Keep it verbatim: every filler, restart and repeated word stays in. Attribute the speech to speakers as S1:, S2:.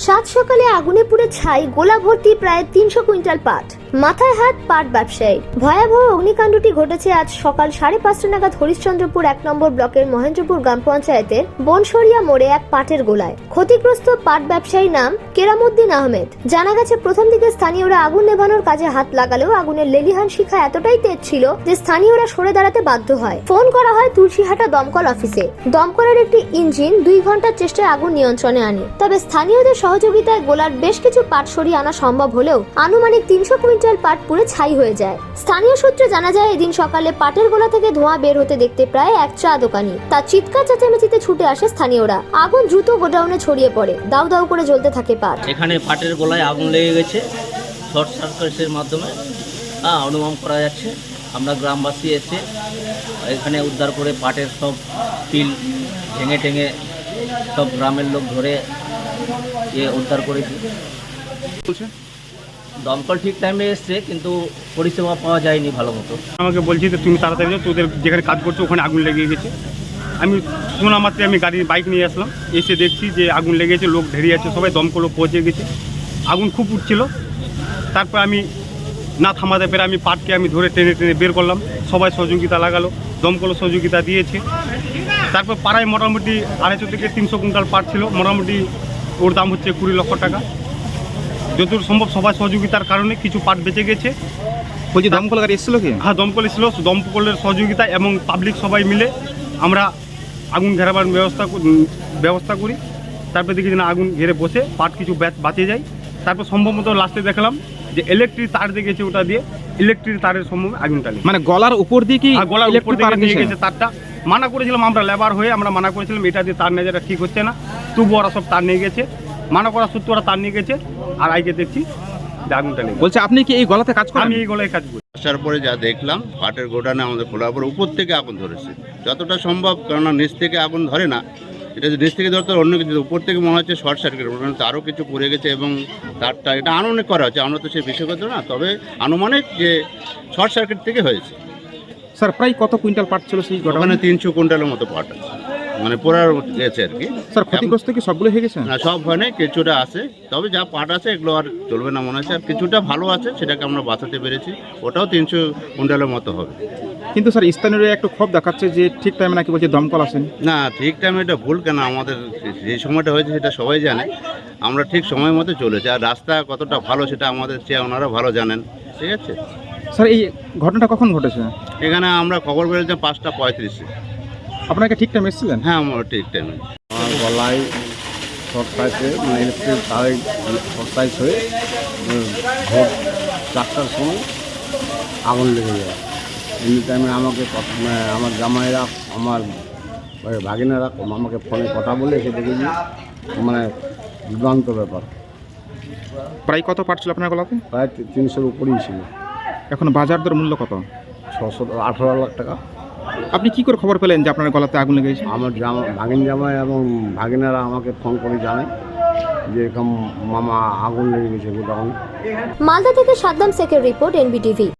S1: সাত সকালে আগুনে পুড়ে ছাই গোলা ভর্তি প্রায় তিনশো কুইন্টাল পাট, মাথায় হাত পাট ব্যবসায়ী। ভয়াবহ অগ্নিকাণ্ডটি ঘটেছে আজ সকাল সাড়ে পাঁচটা নাগাদ হরিশ্চন্দ্রপুর এক নম্বর ব্লকের মহেন্দ্রপুর গ্রাম পঞ্চায়েতের বনসরিয়া মোড়ে এক পাটের গোলায়। ক্ষতিগ্রস্ত পাট ব্যবসায়ীর নাম কেরামউদ্দিন আহমেদ। জানা গেছে প্রথম দিকে স্থানীয়রা আগুন নেভানোর কাজে হাত লাগালেও আগুনের লেলিহান শিখা এতটাই তেজ ছিল যে স্থানীয়রা সরে দাঁড়াতে বাধ্য হয়। ফোন করা হয় তুলসীহাটা দমকল অফিসে। দমকলের একটি ইঞ্জিন দুই ঘন্টার চেষ্টায় আগুন নিয়ন্ত্রণে আনে। তবে স্থানীয়দের সহযোগিতায় গোলার বেশ কিছু পাট সরিয়ে আনা সম্ভব হলেও আনুমানিক তিনশো কুইন্টাল পাট পুড়ে ছাই হয়ে যায়। স্থানীয় সূত্রে জানা যায় এদিন সকালে পাটের গোলা থেকে ধোঁয়া বের হতে দেখতে প্রায় এক চা দোকানি। তার চিৎকার চেঁচামেচিতে ছুটে আসে স্থানীয়রা। আগুন দ্রুত গোডাউনে ছড়িয়ে পড়ে, দাউ দাউ করে জ্বলতে থাকে পাট।
S2: এখানে পাটের গোলায় আগুন লেগে গেছে শর্ট সার্কিটের মাধ্যমে, হ্যাঁ অনুমান করা যাচ্ছে। আমরা গ্রামবাসী এসে এখানে উদ্ধার করে পাটের সব পিল ভেঙে টেঙে সব গ্রামের লোক ধরে এ উদ্ধার করেছি। দমকল ঠিক টাইমে এসছে কিন্তু পরিষেবা পাওয়া যায়নি ভালো মতো।
S3: আমাকে বলছি যে তুমি তাড়াতাড়ি যাও, তোদের যেখানে কাজ করছো ওখানে আগুন লেগে গেছে। আমি শোনা মাত্রে আমি গাড়ি বাইক নিয়ে আসলাম, এসে দেখছি যে আগুন লেগেছে, লোক ঢেরিয়ে আছে, সবাই দমকলও পৌঁছে গেছে। আগুন খুব উঠছিল। তারপর আমি না থামাতে পেরে আমি পাটকে আমি ধরে টেনে টেনে বের করলাম। সবাই সহযোগিতা লাগালো, দমকলও সহযোগিতা দিয়েছে। তারপর পাড়ায় মোটামুটি আড়াইশো থেকে তিনশো কুইন্টাল পাট ছিল, মোটামুটি ওর দাম হচ্ছে কুড়ি লক্ষ টাকা। যতদূর সম্ভব সবাই সহযোগিতার কারণে কিছু পাট বেঁচে গেছে।
S4: বলছি দমকল গাড়ি এসেছিল কি?
S3: হ্যাঁ দমকল এসেছিল, দমকলের সহযোগিতা এবং পাবলিক সবাই মিলে আমরা আগুন ঘেরাবার ব্যবস্থা ব্যবস্থা করি। তারপর দেখি না আগুন ঘিরে বসে পাট কিছু বাঁচে যায়। তারপর সম্ভবত লাস্টে দেখলাম যে ইলেকট্রিক তার দিয়ে গেছে, ওটা দিয়ে ইলেকট্রিক তারের সম্ভব আগুনটা লেগে।
S4: মানে গলার উপর দিয়ে কি?
S3: গলার উপর দিয়ে নিয়ে গেছে তারটা। মানা করেছিলাম আমরা লেবার হয়ে, আমরা মানা করেছিলাম এটা দিয়ে তার নিয়ে যেটা ঠিক হচ্ছে না, তবু ওরা সব তার নিয়ে গেছে। মানা করা সত্য ওরা তার নিয়ে গেছে, আর আজকে দেখছি যে আগুনটা লেগে।
S4: বলছে আপনি কি এই গলাতে কাজ করেন?
S3: আমি এই গলায় কাজ করি।
S5: আসার পরে যা দেখলাম পাটের গোডানে আমাদের খোলার পরে উপর থেকে আগুন ধরেছে যতটা সম্ভব, কেননা নিচ থেকে আগুন ধরে না, এটা যে নিচ থেকে ধরতে অন্য কিছু, উপর থেকে মনে হচ্ছে শর্ট সার্কিট, তারও কিছু পড়ে গেছে এবং তারটা এটা আনুমানিক করা হচ্ছে, আমরা তো সেই বিষয় করতে না, তবে আনুমানিক যে শর্ট সার্কিট থেকে হয়েছে।
S4: স্যার প্রায় কত কুইন্টাল পাট ছিল সেই গোডাউনে?
S5: ওখানে তিনশো কুইন্টালের মতো পাট আছে, মানে পোড়ার গেছে আর কি।
S4: স্যার ক্ষতিগ্রস্ত কি সবগুলো হয়ে গেছে?
S5: না সব হয় না, কিছুটা আছে, তবে যা পাট আছে এগুলো আর চলবে না মনে হচ্ছে, আর কিছুটা ভালো আছে সেটাকে আমরা বাঁচাতে পেরেছি, ওটাও তিনশো কুইন্টালের মতো হবে।
S4: কিন্তু স্যার স্থানীয়রা একটু ক্ষোভ দেখাচ্ছে যে ঠিক টাইমে নাকি বলছে দমকল আসেন।
S5: না ঠিক টাইমে এটা ভুল কেন, আমাদের যে সময়টা হয়েছে সেটা সবাই জানে, আমরা ঠিক সময় মতো চলেছি, আর রাস্তা কতটা ভালো সেটা আমাদের চেয়ে ওনারা ভালো জানেন, ঠিক আছে।
S4: স্যার এই ঘটনাটা কখন ঘটেছে?
S5: এখানে আমরা খবর পেয়েছিলাম পাঁচটা পঁয়ত্রিশে।
S4: আপনাকে ঠিক টাইমে এসেছিলেন?
S5: হ্যাঁ আমরা ঠিক টাইমে।
S6: আমার গলায় শর্ট সার্কিট মানে ইলেকট্রিক তারে শর্ট সার্কিট হয়ে ভোর চারটার সময় আগুন লেগে যায়। এমনি টাইমে আমাকে আমার জামাইরা আমার ভাগিনারা আমাকে ফোনে কথা বলে এসে দেখেছি, মানে দুর্দান্ত ব্যাপার।
S4: প্রায় কত পাট ছিল আপনার গলাতে?
S6: প্রায় তিনশোর উপরেই ছিল।
S4: এখন বাজার দর মূল্য কত?
S6: ছশো আঠারো লাখ টাকা।
S4: আপনি কি করে খবর পেলেন যে আপনার গলাতে আগুন লেগেছে?
S6: আমার জামা ভাগিন জামাই এবং ভাগিনারা আমাকে ফোন করে জানায় যে এরকম মামা আগুন লেগে গেছে গোডাউনে।
S1: মালদা থেকে সাদ্দাম শেখের রিপোর্ট, এনবিটিভি।